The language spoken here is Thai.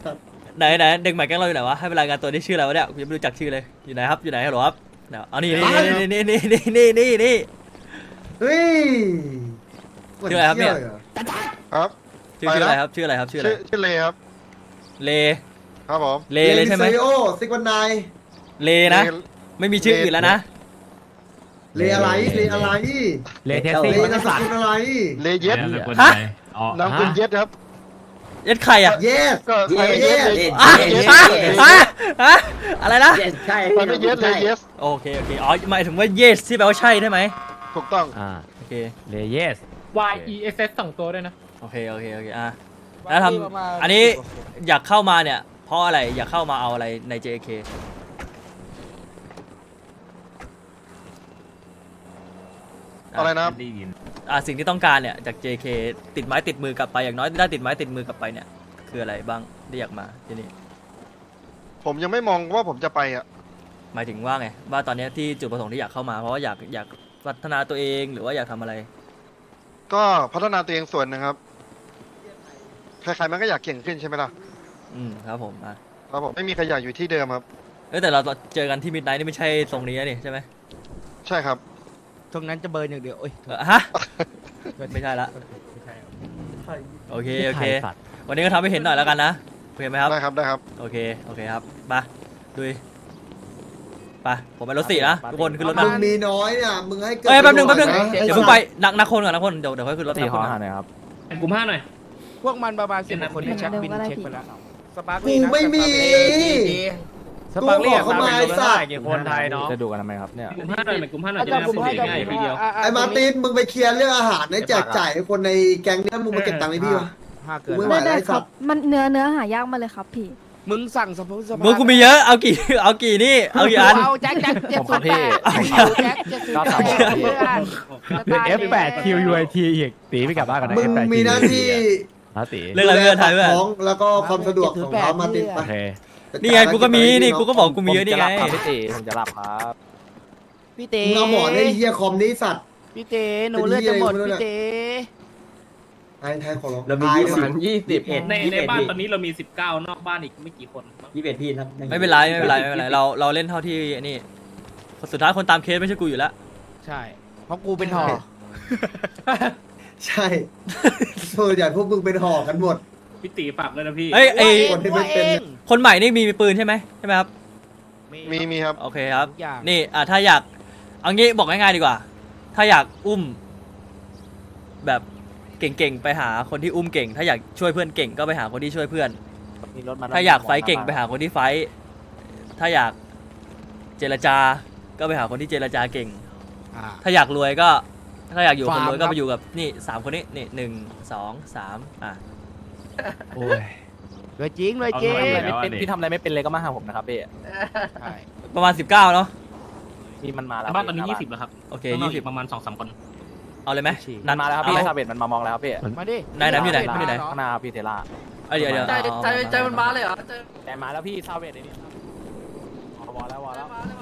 ไหนเด็กใหม่แก๊งเราอยู่ไหนวะให้เวลารายงานตัวนี่ชื่ออะไรวะเนี่ยกูยังไม่รู้จักชื่อเลยอยู่ไหนครับอยู่ไหนฮัลโหลครับเดี๋ยวเอานี่นี่เฮ้ยชื่ออะไรครับเนี่ยครับชื่ออะไรครับชื่ออะไรครับชื่ออะไรชื่อเลครับเลครับผมเลเลยใช่ไหมเลโอซิกวันไนเลนะไม่มีชื่ออื่นแล้วนะเลอะไรเลอะไรเลเทสเลซี่นามสกุลอะไรเลเย็ดฮะนามคุณเย็ดครับเย็ดใครอ่ะเยสก็ใครเย็ดเลยอ่ะเย็ดฮะอะไรนะใช่ใครไม่เย็ดเลยเย็ดโอเคอ๋อหมายถึงว่า yes ที่แปลว่าใช่ได้ไหมถูกต้องโอเคเลเยส YESS 2 ตัวด้วยนะโอเคอ่ะแล้วทำอันนี้อยากเข้ามาเนี่ยเพราะอะไรอยากเข้ามาเอาอะไรใน JK อะไรนะครับสิ่งที่ต้องการเนี่ยจาก JK ติดไม้ติดมือกลับไปอย่างน้อยได้ติดไม้ติดมือกลับไปเนี่ยคืออะไรบ้างที่อยากมาที่นี่ผมยังไม่มองว่าผมจะไปอ่ะหมายถึงว่าไงว่าตอนนี้ที่จุดประสงค์ที่อยากเข้ามาเพราะว่าอยากพัฒนาตัวเองหรือว่าอยากทำอะไรก็พัฒนาตัวเองส่วนหนะครับใครๆมันก็อยากเก่งขึ้นใช่ไหมล่ะครับผมครับผมไม่มีใครอยากอยู่ที่เดิมครับแต่เราเจอกันที่มิดไนท์นี่ไม่ใช่ทรงนี้นี่ใช่ไหมใช่ครับตรงนั้นจะเบิร์นอย่างเดียวโอ้ยฮะไม่ใช่ละโอเควันนี้ก็ทำให้เห็นหน่อยแล้วกันนะโอเคไหมครับได้ครับโอเคครับมาดุยไปผมไปรถสี่นะทุกคนขึ้นรถมามึงมีน้อยเนี่ยมึงให้เกิดแป๊บนึงประโยชเดี๋ยวเพิ่งไปนักคนก่อนนักคนเดี๋ยวค่อยขึ้นรถตีนักขคอน หาก่อนหน่อยครับกลุ่ม5หน่อยพวกมันประมาณ10คนที่ชักบินเช็คไปแล้วสปาร์คกูไม่มีสปาร์คลี่กูบอกเขามาไอ้สัตว์กี่คนไทยเนาะจะดูกันทำไมครับเนี่ยกลุ่ม5หน่อยกลุ่ม5หน่อยจะได้สุ่มง่ายทีเดียวไอ้มาร์ตินมึงไปเคลียร์เรื่องอาหารให้แจกจ่ายให้คนในแก๊งเนี้ยมึงมาเก็บตังค์ให้พี่วะ 5เกินกูไม่ไหวได้ครับมันเนื้อหายากมาเลยครับพี่มึงสั่งสปาร์มึงกูมีเยอะเอากี่นี่เอากี่อันเอาแจ็คF8 QUIT อีกตีไม่กลับบ้านกันนะมึงมีหน้าที่ตีเรื่องอะไรเพื่อนไทยเพื่อนท้องแล้วก็ความสะดวกของเขามาติดไปโอเคนี่ไงกูก็มีนี่กูก็บอกกูมีเยอะนี่ไงพี่ตีผมจะหลับครับพี่ตีมึงเอาหมอนไอ้เหี้ยคอมนี้สัตว์พี่ตีหนูเลือดจะหมดพี่ตีไทยขอร้องเรามีในบ้านตอนนี้เรามี19นอกบ้านอีกไม่กี่คน 21พี่ครับไม่เป็นไรเราเล่นเท่าที่นี่สุดท้ายคนตามเคสไม่ใช่กูอยู่แล้วใช่เพราะกูเป็นห่อใช่ส่วนใหญ่พวกมึงเป็นห่อกันหมดพี่ตีฝากเลยนะพี่เฮ้ยไอคนที่ไม่เป็นคนใหม่นี่มีปืนใช่ไหมครับมีครับโอเคครับนี่ถ้าอยากเอางี้บอกง่ายๆดีกว่า ถ้าอยากอุ้มแบบเก่งๆไปหาคนที่อุ้มเก่ง ถ้าอยากช่วยเพื่อนเก่งก็ไปหาคนที่ช่วยเพื่อน ถ้าอยากไฟท์เก่งไปหาคนที่ไฟท์ถ้าอยากเจรจาก็ไปหาคนที่เจรจาเก่ง ถ้าอยากรวยก็ถ้าอยากอยู่คนรวยก็ไปอยู่กับนี่3คนนี้นี่1 2 3 โอ้ยรวยจริงพี่ทำอะไรไม่เป็นเลยก็มาหาผมนะครับพี่ใช่ประมาณ19เนาะพี่มันมาแล้วบ้านตอนนี้20แล้วครับโอเค 20ประมาณ 2-3 คนเอาเลยไหมนันมาแล้วครับพี่ซาเบตมันมามองแล้วครับพี่มาดิไหนอยู่ไหนอยู่ไหนข้างหน้าพี่เทล่าเดี๋ยวใจมันมาเลยเหรอแต่มาแล้วพี่ซาเบตไอ้นี่วอลแล้ว